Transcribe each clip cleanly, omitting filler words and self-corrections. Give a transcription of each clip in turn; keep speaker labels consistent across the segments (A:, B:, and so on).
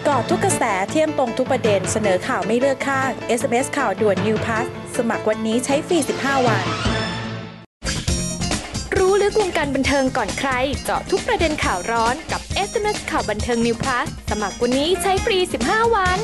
A: กาะทุกกระแสเที่ยงตรงทุกประเด็นเสนอข่าวไม่เลือกข้าง SMS ข่าวด่วน New Pass สมัครวันนี้ใช้ฟรี15 วัน
B: รู้ลึกวงการบันเทิงก่อนใครเจาะทุกประเด็นข่าวร้อนกับ SMS ข่าวบันเทิง New Plus สมัครวันนี้ใช้ฟรี15 วัน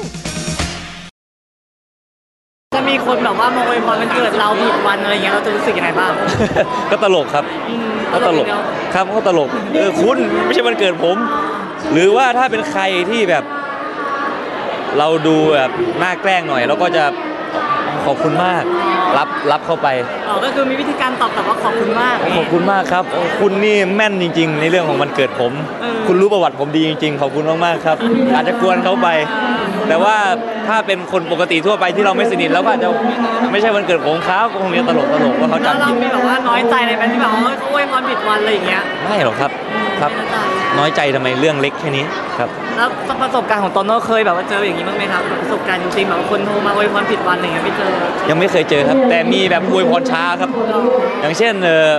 C: จะมีคนแบบว่ามาอวยพรวันเกิดเราผิดวันอะไรเงี้ยเราจะรู้สึกยังไงบ้าง
D: ก็ตลกครับก็ตลกครับก็ตลกคุณไม่ใช่วันเกิดผมหรือว่าถ้าเป็นใครที่แบบเราดูแบบน่าแกล้งหน่อยเราก็จะขอบคุณมากรับเข้าไป
C: ก็คือมีวิธีการตอบกลับว่าขอบคุณมาก
D: ขอบคุณมากครับคุณนี่แม่นจริงๆในเรื่องของวันเกิดผมคุณรู้ประวัติผมดีจริงๆขอบคุณมากๆครับอาจจะกวนเขาไปแต่ว่าถ้าเป็นคนปกติทั่วไปที่เราไม่สนิทแล้วก็อาจจะไม่ใช่วันเกิดของเขาก็คงจะตลกว่าเขาจำผิด
C: เราไม่แบบว่าน้อยใจในแบบที่แบบว่าเขาอวยพรผิดวันอะไรอย่างเงี้ย
D: ไม่หรอกครับน้อยใจทำไมเรื่องเล็กแค่นี้ครับ
C: แล้วประสบการณ์ของโตโน่เคยแบบว่าเจออย่างนี้บ้างไหมครับประสบการณ์จริงๆแบบคนโทรมาอวยพรผิดวันอะไรอย่างเงี้ยไม่เจอ
D: ยังไม่เคยเจอครับแต่มีแบบอวยพรช้าครับอย่างเช่น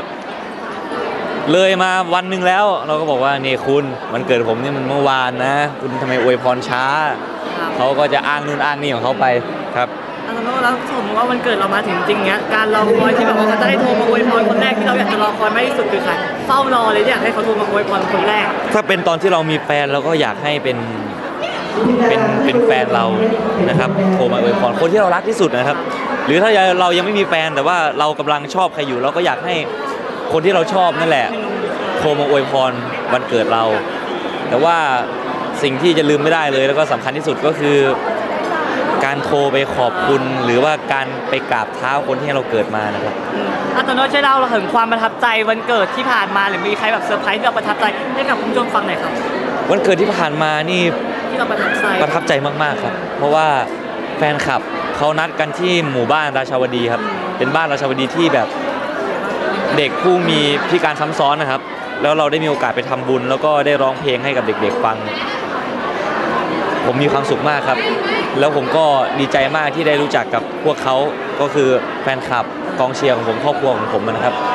D: เลยมาวันหนึ่งแล้วเราก็บอกว่านี่คุณวันเกิดผมนี่มันเมื่อวานนะคุณทำไมอวยพรช้าเขาก็จะอ้างนู่นอ้างนี่ของเขาไปครับ
C: แล้วสมมติว่าวันเกิดเรามาถึงจริงเงี้ยการรอคอยที่แบบว่าเขาจะได้โทรมาอวยพรคนแรกที่เราอยากจะรอคอยมากที่สุดคือใครเฝ้ารอเลยอยากให้เขาโทรมาอวยพรคนแรก
D: ถ้าเป็นตอนที่เรามีแฟนเราก็อยากให้เป็นแฟนเรานะครับโทรมาอวยพรคนที่เรารักที่สุดนะครับหรือถ้าเรายังไม่มีแฟนแต่ว่าเรากำลังชอบใครอยู่เราก็อยากให้คนที่เราชอบนั่นแหละโทรมาอวยพรวันเกิดเราแต่ว่าสิ่งที่จะลืมไม่ได้เลยแล้วก็สำคัญที่สุดก็คือการโทรไปขอบคุณหรือว่าการไปกราบเท้าคนที่ให้เราเกิดมานะครับ
C: โตโน่ช่วยเล่าถึงความประทับใจวันเกิดที่ผ่านมาหรือมีใครแบบเซอร์ไพรส์ที่เราประทับใจให้กับคุณผู้ชมฟังหน่อยครับ
D: วันเกิดที่ผ่านมานี่
C: ที่เราประทับ
D: ใจมากๆครับเพราะว่าแฟนคลับเขานัดกันที่หมู่บ้านราชาวดีครับเป็นบ้านราชาวดีที่แบบเด็กผู้มีพิการซ้ำซ้อนนะครับแล้วเราได้มีโอกาสไปทำบุญแล้วก็ได้ร้องเพลงให้กับเด็กๆฟังผมมีความสุขมากครับแล้วผมก็ดีใจมากที่ได้รู้จักกับพวกเขาก็คือแฟนคลับกองเชียร์ของผมครอบครัวของผมนะครับ